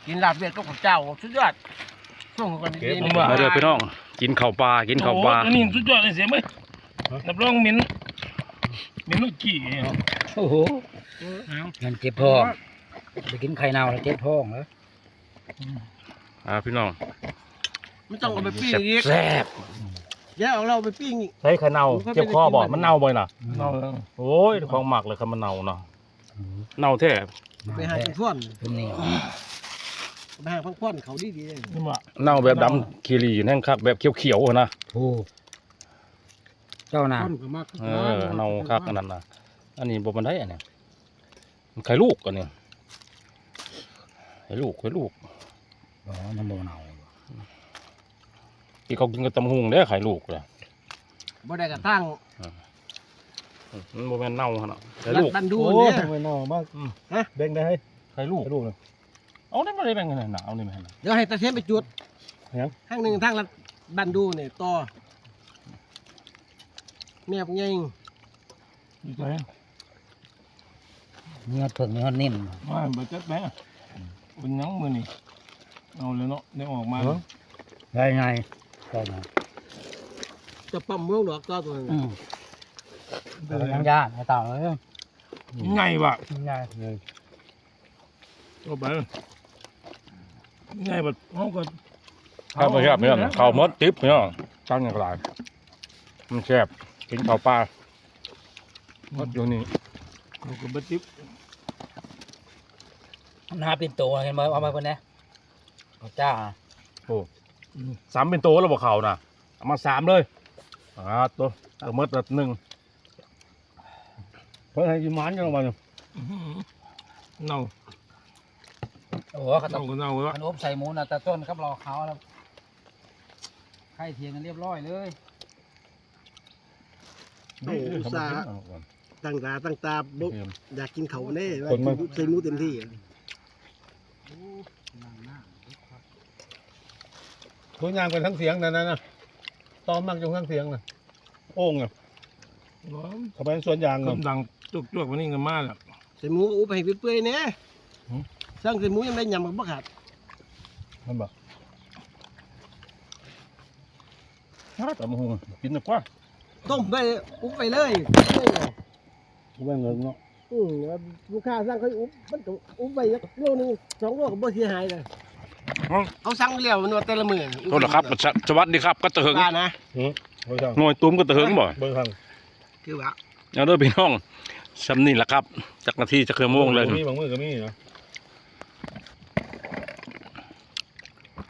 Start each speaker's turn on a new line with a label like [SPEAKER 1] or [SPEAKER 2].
[SPEAKER 1] กินลาบเวียดก็ข้าวเจ้าสุดยอดส่งกันดีๆ
[SPEAKER 2] มาเด้อพี่น้องกินข้าวปลากินข้าวปลา
[SPEAKER 3] อันนี้สุดยอดเลยเสียไหมรับรองเหม็นลูกกี้
[SPEAKER 4] โอ้โหเงินเจ็บท้องไปกินไข่เน่าแล้วเจ็บท้องเหรอ
[SPEAKER 2] พี่น้อง
[SPEAKER 1] ไม่ต้องเอาไปปิ้งอีก
[SPEAKER 4] แซ่บ
[SPEAKER 1] แย่เอาเราไปปิ้งอีก
[SPEAKER 2] ใช้ไข่เน่าเจ็บคอบ่มันเน่าบ่อยน่ะ
[SPEAKER 3] เนา
[SPEAKER 2] โอ้ยของหมักเลยครับมันเน่าเนาะเน่าแท้
[SPEAKER 1] ไปหาพังพ่วน
[SPEAKER 4] เป็นนี่
[SPEAKER 1] ไปหาพังพ่วนเขาดีๆเลย
[SPEAKER 3] นี่มา
[SPEAKER 2] เน่าแบบดำคีรีแห้งคักแบบเขียวๆนะ
[SPEAKER 4] ถูกเจ้าน่ะ
[SPEAKER 1] พ่วนก็มาก
[SPEAKER 2] เน่าคักอันนั้นนะอันนี้บ่มันได้อันนี้ไข่ลูกอันนี้ไข่ลูก
[SPEAKER 4] อ๋อน้ำมันเน่า
[SPEAKER 2] ที่เขากินกับตำหุงเด้อไข่ลูกเลย
[SPEAKER 1] บ่ได้กระตั้ง
[SPEAKER 2] มันบ่แม่นเน่าขนาดไข่
[SPEAKER 1] รั
[SPEAKER 2] ลู
[SPEAKER 1] ด
[SPEAKER 2] ก
[SPEAKER 1] บันดู
[SPEAKER 3] โอ้
[SPEAKER 1] เนี่ย
[SPEAKER 3] ทำไมเน่ามากแบ่งได้ให้
[SPEAKER 2] ไข่ลูก
[SPEAKER 3] ลูกเลย
[SPEAKER 2] เอาได้บ่ได้แบ่งกันน่ะเอาได้ไหมน่ะ
[SPEAKER 1] เดี๋ยวให้ตาเทียนไปจุด
[SPEAKER 3] ยัง
[SPEAKER 1] ข้างหนึ่งทางรัดบันดูเนี่ยต่อแม่พวกยิง
[SPEAKER 3] ดีใจ
[SPEAKER 4] เนื้อเผือกเนื้อนิ่ม
[SPEAKER 3] มาบัดจัดแม่เป็นยังมือนี่เอาเลยเนาะได้ออกมา
[SPEAKER 4] ได้ไงได้ไง
[SPEAKER 1] จะปั๊มเมืองดอกต่อตัวนึง
[SPEAKER 4] เป็นยังยากไอ้เต่าเลย
[SPEAKER 3] ไงวะ
[SPEAKER 4] ง่าย
[SPEAKER 3] เอาไปไงแบบเขาก็
[SPEAKER 2] ข้าวไม่แซ่บเนี่ยข้าวมดติ๊บเนี่ยตั้งอย่างไรมันแซ่บกินข้าวปลาหมดอยู่นี่
[SPEAKER 3] เขาก็บัดจิ๊บ
[SPEAKER 4] หน้าเป็นตัวเห็นไหมเอามาคนนี้เจ้า
[SPEAKER 2] สามเป็นโตแล้วบอกเขาน่ะเอามาสามเลยตัวเอาหมดละหนึ่งเพื่อให้กินมันยังไง
[SPEAKER 3] เน่า
[SPEAKER 4] โอ้โหขน
[SPEAKER 3] เน่าม ก็เน่าแล้ว
[SPEAKER 4] ขนมใส่หมูนะแต่ต้นครับรอเขาแล้วไข่เทียงกันเรียบร้อยเลย
[SPEAKER 1] อุตส่าห์ตั้งตาบุอยากกินเขาแน่ใส่หมูเต็มที่
[SPEAKER 3] ทุกอย่างเป็นทั้งเสียงนั่นนะตอมมักจงทั้งเสียงนะโอ่งอ่ะเขาเป็นส่วนยางดังจุกวันนี้กันมากแหละ
[SPEAKER 1] ใส่หมูอุบให้เปื่อยๆเนี่ยสร้างใส่หมูยังได้ยำกับบักขาด
[SPEAKER 3] มันบอก
[SPEAKER 2] แต่มาหุงกินดีกว่า
[SPEAKER 1] ต้มไปอุบไปเลย
[SPEAKER 3] เขาเป็นเงินเนาะ
[SPEAKER 1] ลูกค้าสั่งเขาอุบมันก็อุบไปโลนึง2 โลก็บ่เสียหายเลยเขาสั่งเลี้ยวมันว่าแต่ละมื้อ
[SPEAKER 2] โทษนะครับสวัสดีครับก็ตะเหิง
[SPEAKER 1] บ้านะ
[SPEAKER 3] เบอร์ทาง
[SPEAKER 2] หน่วยตุ้มก็ตะเหิงบ่
[SPEAKER 3] เบอร์ทาง
[SPEAKER 1] คือว่า
[SPEAKER 2] เอาเด้อพี่น้องซ้ำนี่แหละครับจากนาทีจะเคยโมงเลย
[SPEAKER 3] มีบางมือก็มีเนาะ